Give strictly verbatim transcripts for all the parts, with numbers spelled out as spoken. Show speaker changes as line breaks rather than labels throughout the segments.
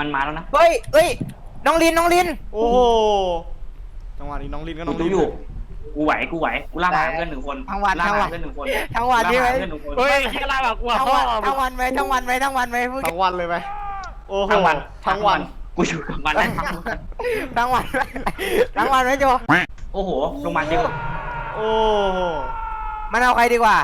มันมาแล้วนะ
เฮ้ยเฮ้ยน้องลินน้องลิน
โอ้โหจังหวะนี้น้องลินก็น้องลิน
อยู่กูไหวกูไหวกูล่าหาเพื่อนหนึ่งคน
ทั้งวัน
ล่า
ทั้ง
หา
วัน
เพื่อนหนึ่งคน
ทั้งวันใช่ไหม
เฮ้ยแค่ลาแบบกู
ทั้งวันทั้งวันไหมทั้งวันไหมทั้งวันไหมพูด
ทั้งวันเลยไหมโอ้โห
ทั้งวัน
ทั้งวัน
กูอยู่กับมันทั้งวัน
ทั้งวันทั้งวันไหมโจ
โอ้โหลงมาเดียว
โอ้โห
มันเอาใครดีกว่า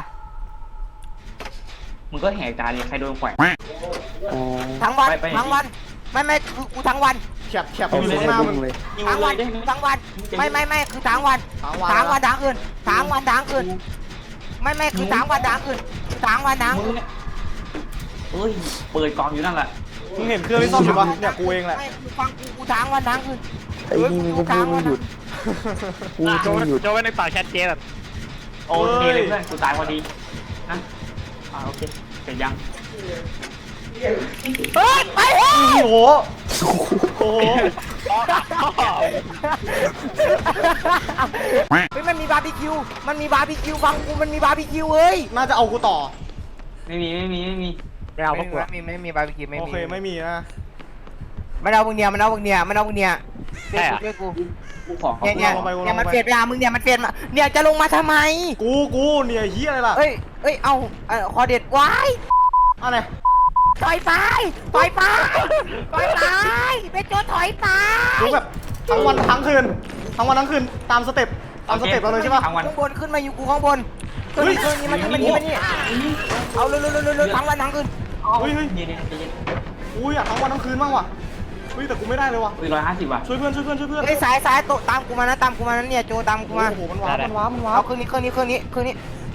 มึงก็แหกตาดิใครโดนแขวน
ทั้งวัน
ไปไป
ทั้งวันไม่ไม่คือกูทั้งวัน
แฉบแฉบอยู่ข้างหน้ามึง
ยิง
ทั้ง
เล
วัน
ยได้ไหม
ทั้งวันไม่ไม่ไม่คือทั้งวัน
ทั้งวัน
ทั้งวันทั้งคืนทั้งวันทั้งคืนไม่ไม่คือทั้งวันทั้งคืนทั้งวันทั้ง
มึงเนี่ยเอ้ยเปิดกองอยู่นั่นแหละ
มึงเห็นเครื่องที่ซ่อมอยู่ปะเนี่ยกูเองแหละ
ไม่คือฟังกูกูทั้งวันทั้งคืน
ไอ้นี่มึงก็พูดไม่หยุดพูด
โจ
ไม่หยุด
โจไว้ในปากแชทเจ๊แบบ
โอเคเลยเพื่อนกูตายพอดีนะอ่าโอเคเสร็จยัง
เฮ้ยไปเฮ้ย
โอ้โหโอ้โห
เฮ้ยมันมีบาร์บีคิวมันมีบาร์บีคิวฟังกูมันมีบาร์บีคิวเฮ้ย
น่าจะเอากูต่อ
ไม่มีไม่มีไม่มี
ไม่เอาพวกกู
ไม่มีไม่มีบาร์บีคิวไม่
โอ
มี
เคไม่มีนะ
มันเอาพวกเนี้ยมันเอาพวกเนี้ยมันเอาพวกเนี้ย
ใช่อะ
ช่วยกู
กูขอเขา
เนี่ยเนี่ยเนี่ยมันเฟดไปหามึงเนี่ยมันเฟดมาเนี่ยจะลงมาทำไม
กูกูเนี่ยเฮียอะไรล่ะ
เอ้ยเอ้ยเอาเอ่อคอเด็ดไว้
อะไร
ถอยไปถอยไปถอยไปเป็นโจถอยไป
กูแบบทั้งวันทั้งคืนทั้งวันทั้งคืนตามสเต็ปตามสเต็ปเราเลยใช่ปะ
ทั้งวัน
ข้างบนขึ้นมาอยู่กูข้างบนขึ้น
เฮ้ย
ขึ้นนี่มันนี่มันนี่มันนี่เอาเร็วเร็วเร็วเร็วทั้งวันทั้งคืน
เฮ้ยเฮ้ย
เย็นๆใจเย็น
กูอยากทั้งวันทั้งคืนบ้างว่ะเฮ้ยแต่กูไม่ได้เลยว่ะ
อุ้ยร้อยห้าสิบว่ะ
ช่วยเพื่อนช่วยเพื่อนช่วยเพื่อน
เฮ้ยสายสายโตะตามกูมานะตามกูมานะเนี่ยโจตามกูมา
โอ้โหมันว้าวมันว้าวมันว้า
เอา
ว
เครื่องนี้เครื่องนี้เครื่องนี้เครื่องนี้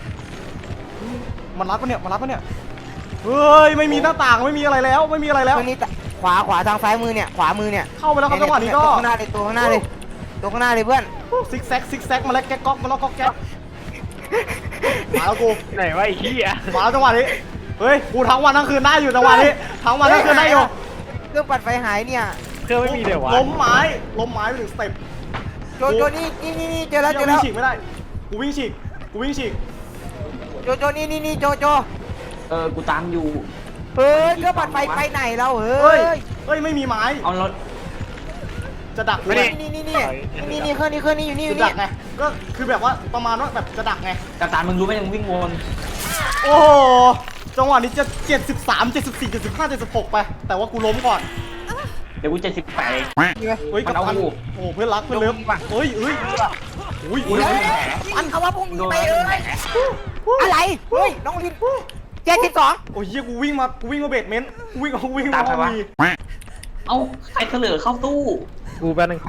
มันรัดปะเนี่ยมันรัดปะเนี่ยเฮ้ยไม่มีหน้าต่างไม่มีอะไรแล้วไม่มีอะไร
เค
แล้ว
รื่องนี้ขวาขวาทางซ้ายมือเนี่ยขวามือเนี่ย
เข้าไปแล้วครับจังหวะนี้ก็
ตัวข้างหน้าเลยตัวข้างหน้าเลยตัวข้างหน้าเลยเพื่อน
ซิกแซกซิกแซกมาแล้วแก๊กก๊อกมาแล้วก๊อกแก๊กมาแล้วกู
ไหนวะไอ้เหี้ย
มาแล้วจังหวะนี้เฮ้ยกูทั้งวันทั้งคืนได้อยู่จังหวะนี้ทั้งวันทั้งคืนได้อยู่
เครื่องปัดไฟหายเนี่ย
เครื่องไม่มีเดี๋ยววะ
ล้มไม้ล้มไม้ไปถึงสเต็ป
โจโจนี่นี่นี่นี่เจอแล้วเจอ
วิ่
แล้
ง
ว
ฉีกไม่ได้กูวิ่งฉีกกูวิ่งฉีก
โจโจนี่นี่นี่โจโจ
เออกูตามอยู่
เฮ้ยเครื่องปัดไฟไปไหนเราเฮ้
เฮ้ย
ย
เฮ้ยไม่มีไม้
เอารถ
จะดักกู
นี่
ไง
นี่นี่นี่นี่นี่เครื่องนี้เครื่องนี้อยู่นี่อ
จะ
ยู่
ดั
นี่
กไงก็คือแบบว่าประมาณว่าแบบจะดักไง
กระตานมึงรู้ไหมยังวิ่งวน
โอ้โหจังหวะนี้จะเจ็ดสิบสามเจ็ดสิบสี่เจ็ดสิบห้าเจ็ดสิบหกไปแต่ว่ากูล้มก่อน
เดี๋ยวกูเจ็ดสิบแปด
เฮ้ย
มันเอา
กัปตัน
กู
โอ้เพื่อนรักเพื่อนเลิฟเฮ้ยเฮ้ยอุ้ย
เฮ้ยอันเขาว่าพวกนี้ไปเอ้ยอะไรเฮ้ยน้องลินเจ็ดสิบสอง
โอ้ยเฮียกูวิ่งมากูวิ่งมาเบสเมนต์กูวิ่งกูวิ่งมาห้องวี
เอ้าใครเถลือเข้าตู้
กูแป๊บนึง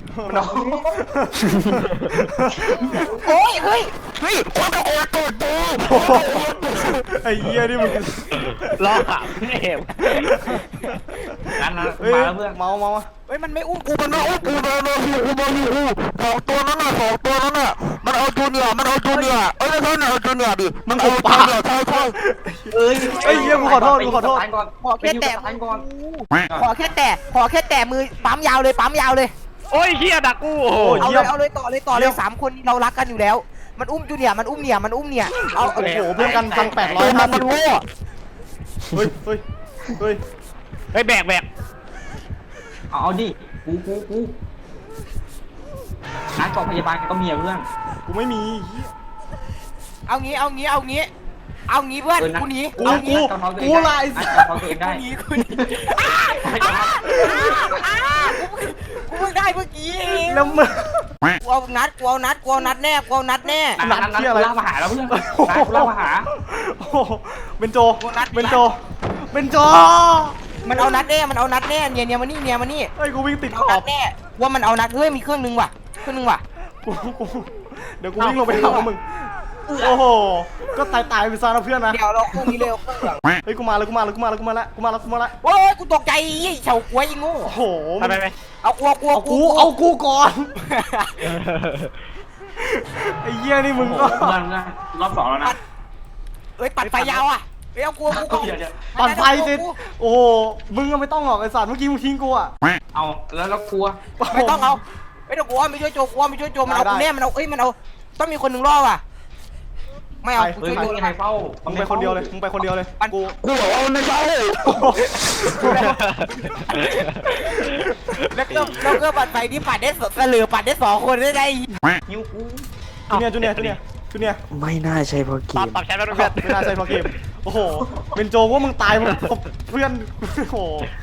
โอ้ยเฮ้ยเฮ้ยคนตะโกนตูดตู
ไอ้เหี้ยนี่มึง
รอขำไม่เห็น
นั่นนะ
เฮ้ย
มาแล้วเพื่อน
เมาเมา
เฮ้ยมันไม่อุ้มกูมันไม่อุ้มกูเลยเลยกูมาอยู่สองตัวนั้นน่ะสองตัวนั้นน่ะมันเอาจูเนียร์มันเอาจูเนียร์เอ้ยไม่ใช่มันเอาจูเนียร์ดิมันเอาจูเนียร์ใช่ใช่
เอ้ย
ไอ้เหี้ยกูขอโทษกูขอโทษ
ขอแค่แตะ
ไปยิงกับก่อน
ขอแค่แตะขอแค่แตะมือปั๊มยาวเลยปั๊มยาวเลย
โอ้ยเหี้ยดักกูโอ้โห
เอาเลยเอาเลยต่อเลยต่อเลยสามคนเรารักกันอยู่แล้ว มันอุ้มจูเนียร์มันอุ้มเนี่ยมันอุ้มเนี่ยเอา
โอ้โหเพื่อนกันพันแปดร้อยห้าสิบเฮ้ยเฮ้ยเฮ้ย
เฮ้ยแบกแบก
เอาเอาดิกูกูกูนัดกองพยาบาลก็มีเพื่อน
กูไม่มี
เอางี้เอางี้เอางี้เอางี้เพื่อนกูหนี
กู
เอา
กู
งี้
กูลาย
นัดกองตัวเองได้
กูหนีกูหนีกูเพิ่งได้เมื่อกี้เอง
แล้วมึง
กูเอานัดกูเอานัดกูเอานัดแน่กูเอานัดแน่
นัดนัดนัดกูล่ามาหาแล้วเพื่อนนัดกูล่ามาหา
โอ้โหเป็นโจเป็นโจเป็นโจ
มันเอานัดแน่มันเอานัดแน่เนี่ยเนี่ยมานี่เนี่ยมานี่
เฮ้ยกูวิ่งติดข
เอา
อ
นั
บ
ดแน่ว่ามันเอานัดเฮ้ยมีเครื่องนึงว่ะเครื่องนึงว่ะ
กูกูเดี๋ยวกูวิ่งลงไปหาพวกมึงโอ้โหก็ตายตายไปซะนะเพื่อนนะ
เดี๋ยวเราเครื่องนี้เร็วเครื่องหลัง
เฮ้ยกูมาแล้วกูมาแล้วกูมาแล้วกูมาแล้วกูมาแล้วกูมาแล้ว
โอ้ยกูตกใจยี่เฉากล้วยยิงงู
โอ้โห
ไปไปไป
เอากลัวกลัว
เอากูเอากูก่อนไอ้เหี้ยนี่มึงก็
เพื่อนรอบสองแล้วนะ
เฮ้ยปัดไฟยาวอ่ะเฮ้ยเอากลัวกู
เดี๋ยวเดี๋ยว
ปั่นไฟสิโอ้โหมึงก็ไม่ต้องหรอกไอ้สัตว์เมื่อกี้มึงทิ้งกูอ่ะ
เอาแล้วเรากลัว
ไม่ต้องเอาไม่ต้องกลัวไม่ช่วยโจกลัวไม่ช่วยโจมันเอากูแน่มันเอาเอ้ยมันเอาต้องมีคนหนึ่งรอดว่ะไม่เอา
ไป
เฮ้ยไม่มีใครเฝ้า
มึ
มึ
งไปคนเดียวเลยมึงไปคนเดียวเลยกู
กูบอกว่ามันไม่ใช่ แล้วก็แล้วก็ปัดไฟนี่ปัดได้สเสลือปัดได้สองคนได้ไง
หิวกู
จูเนียร์จูเนียร์จูเนียร์จูเนียร์
ไม่น่าใช่เพราะเก
ตอบ
ม
ตอบแชทแล้วเพื่อน
ไม่น่าใช่เพราะเกมโอ้โหเป็นโจว่ามึงตายมึงเพื่อนโอ้โห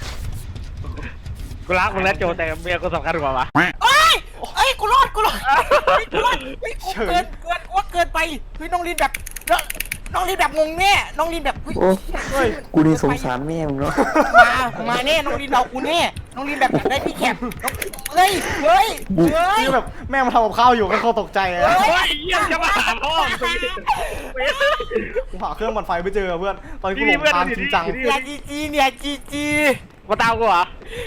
กูรักมึงแล้วโจแต่เมียกูสำคัญกว่าวะ
เอ้ยเอ้ยกูรอดกูรอดกูรอดเฮ้ยกูเกินเกินว่าเกินไปเฮ้ยน้องลินแบบน้องลินแบบงงแน่น้องลินแบบ
โอ้
เฮ้ย
กูนี่สงสารแม่มึงเนาะ
มามาแน่น้องลินเอากูแน่น้องลินแบบได้พี่แคปเฮ้ยเฮ้ยเฮ้ย
นี่แบบแม่มาทำกับข้าวอยู่ก็เขาตกใจเลย
โอ้ยเยี่ยมจะมาหาพ่อมึง
กูหาเครื่องปั่นไฟไม่เจอเพื่อนตอนนี้กูหลงทางจริงจัง
เนี่ยจีจีเนี่ยจีจี
มาตามกูเหรอ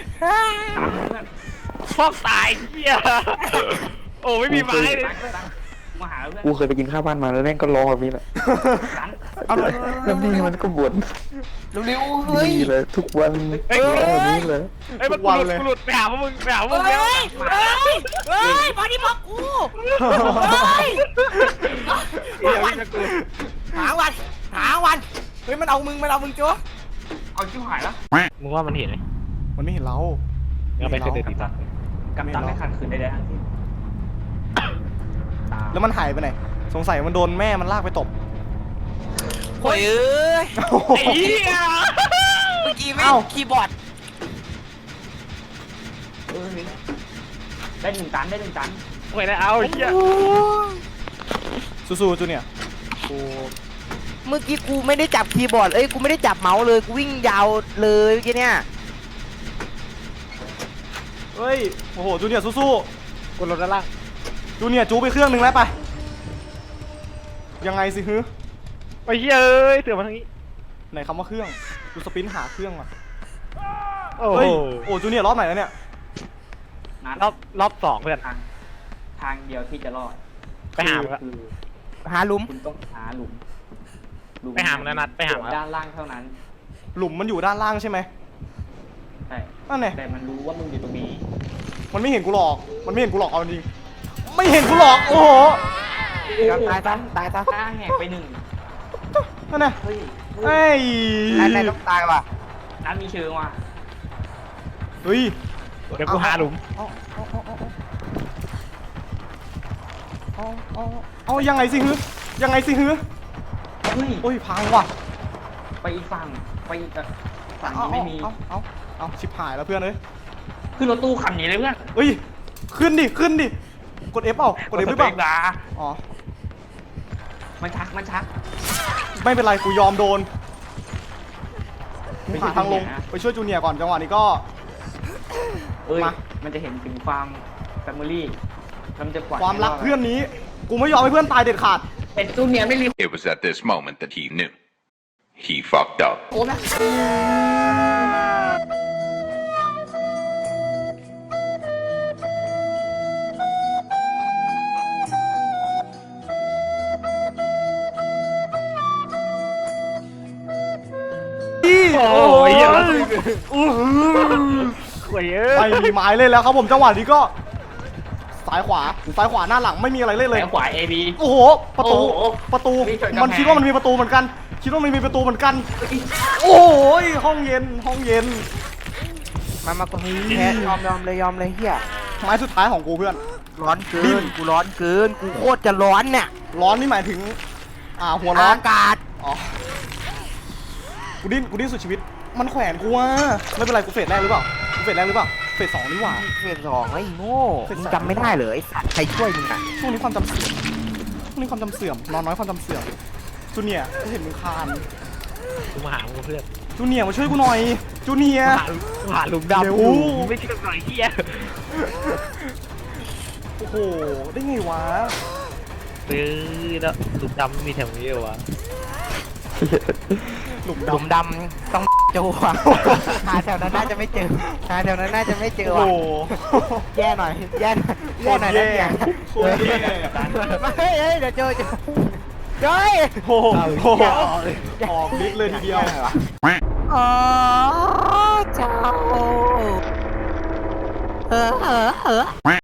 พอกตายเหี้ยโอ้ไม่มีไม้เลย
มาหาเพื่อน
กูเคยไปกินข้าวบ้านมาแล้วแม่งก็ร้องแบบนี้แหละ
กัน
เอาเลย
แล้วแม่มันก็บ่น
เร็วๆเฮ้ย
ดีเลยทุกวันร้องแบบนี้เลย
ไอ้มันกูหลุดกูหลุดไปหาพวกมึงไปหาพวกมึง
เฮ้
แล้ว
ยเฮ้ยเฮ้ยมาดิบอกกูเฮ้ย
เดี๋ยวจะกู
หาวันหาวันเฮ้ยมันเอามึงมันเอามึงจ้ว
เอาชิบหายแล้ว
มึงว่ามันเห็นไหม
มันไม่เห็นเรา
เอาไปเสด็จดีกว่า
กำตังไม่ขัดขืนใดๆทั้งสิ้น
แล้วมันหายไปไหนสงสัยมันโดนแม่มันลากไปตบ
โอ้ยเอ้ย
ไอ้เหี้ย
เมื่อกี้ไม่คีย์บอร์ด
เออได้หนึ่งตันได้หนึ่งตัน
โอ้ยได้เอาไอ้เหี้ย
สู้ๆจูเนี่ยกู
เมื่อกี้กูไม่ได้จับคีย์บอร์ดเอ้ยกูไม่ได้จับเมาส์เลยกูวิ่งยาวเลยเมื่อกี้เนี่ย
เฮ้ยโอ้โหจูเนี่ยสู้
กูลดด้านล่าง
ๆจูเนี่ยจูไปเครื่องหนึ่งแล้วไปยังไงสิฮึ
ไอ้เหี้ยเอ้ยเสือมาทางนี้
ไหนคำว่าเครื่องดูสปินหาเครื่องอ่ะ
โอ้
เฮ้ย
โห
โอ้จูเนี่ยรอบไหนแล้วเนี่ย
นัด
รอบรอบสองเพื่อน
ทางทางเดียวที่จะรอด
ไปหามึงละ
คือ
หาหลุม
คุณต้องหาหลุมหลุม
ไปหามันนะนัดไปหามัน
ด้านล่างเท่านั้น
หลุมมันอยู่ด้านล่างใช่ไหม
ใช่
นั่นไง
แต่มันรู้ว่ามึงอยู่ตรงนี้
มันไม่เห็นกูหรอกมันไม่เห็นกูหรอกเอาจริงไม่เห็นกูหรอกโอ้โห
ตายซะตายซะ
หน้าแหกไปหนึ่ง
นั่นไง
เฮ้ย
เฮ้ย
นายนายต้องตายว่ะ
นัดมีเชิงว่ะ
เฮ้ย
เดี๋ยวกูหาหลุม
เอาเอาเอาเอาเอาเอาเอายังไงสิฮึยังไงสิฮึ
เฮ้ย
โอ้ยพังว่ะ
ไปอีกฝั่งไปอีกอ่ะฝั่ง
เอา
นี้ไม่มี
เอาเอาเอาชิบหายแล้วเพื่อนเอ้ย
ขึ้นรถตู้คันนี้เลยเพื่อน
เฮ้ยขึ้นดิขึ้นดิกด F เปล่ากด F หรือเปล่า
ดา
อ๋อ
มันชักมันชัก
ไม่เป็นไรกูยอมโดนกู
ไม่ใช่
หาทางลง
จูเนียร์นะ
ไปช่วยจูเนียร์ก่อนจังหวะนี้ก็
เอ้ย
มา
มันจะเห็นถึงความแฟมิลี่แล้วมันจะปล่อย
ความรัก
ให้ด
เพื่อนนี้ กูไม่ยอมให้เพื่อนตายเด็ดขาด
แต่จูเนียร์ไม่รีบ
It was at this moment that he knew. He fucked up.
โอ้นะ
โอ้ยเหี้ยแล้วอู้หูโอ้ยเอ้
ไม่
ย
มีไม้เล่นแล้วครับผมจังหวะนี้ก็ซ้ายขวาซ้ายขวาหน้าหลังไม่มีอะไรเล่นเลย
แขวาเอบี
โอ้โหประตู
โอ้โห
ประตู
มีชนกำแพง
มันคิดว่ามันมีประตูเหมือนกัน คิดว่ามันมีประตูเหมือนกัน โอ้ยห้องเย็นห้องเย็น
มามาตรงนี้แพ้ยอมยอมเลยยอมเลยเฮีย
ไม้สุดท้ายของกูเพื่อน
ร้อนเกินกูร้อนเกินกูโคตรจะร้อนเนี่ย
ร้อนนี่หมายถึง อ่าหัวร้อน
อากาศ
อ๋อกูดิ้นกูดิ้นสุดชีวิต มันแขวนกูว่าไม่เป็นไรกูเฟสแรกหรือเปล่ากูเฟสแรกหรือเปล่าเฟสสองนี่หว่า
เฟสสองไอ้โง่มึงจำไม่ได้เลยไอ้สัตว์ใครช่วยมึงอ่ะ
ช่วงนี้ความจำเสื่อมช่วงนี้ความจำเสื่อมนอนน้อยความจำเสื่อมจูเนียร์กูเห็นมึงคาน
กูมาหามึงเพื่อน
จูเนียร์มาช่วยกูหน่อยจูเนียร์
หากูหาหลุมดำ
เร็ว
กูไม่เชื่อหน่อยเหี้ย
โอ้โหได้ไงวะ
เออแล้วหลุมดำมีแถวนี้เหรอวะ
หลุม
หลุม
ดำ
ดำต้องเจอว่ะหาแถวนั้นน่าจะไม่เจอหาแถวนั้นน่าจะไม่เจอ
โอ้
ว่ะ
โห
แย่หน่อยแย่หน่อยแย่หน่อยนะเนี่ย
โคตรแย่
เฮ้ยเฮ้ยเดี๋ยวเจอเจอเฮ้ย
โอ้โหโอ้โหออกฤทธิ์เลยทีเดียว
อ๋อเจ้าเออเออเออ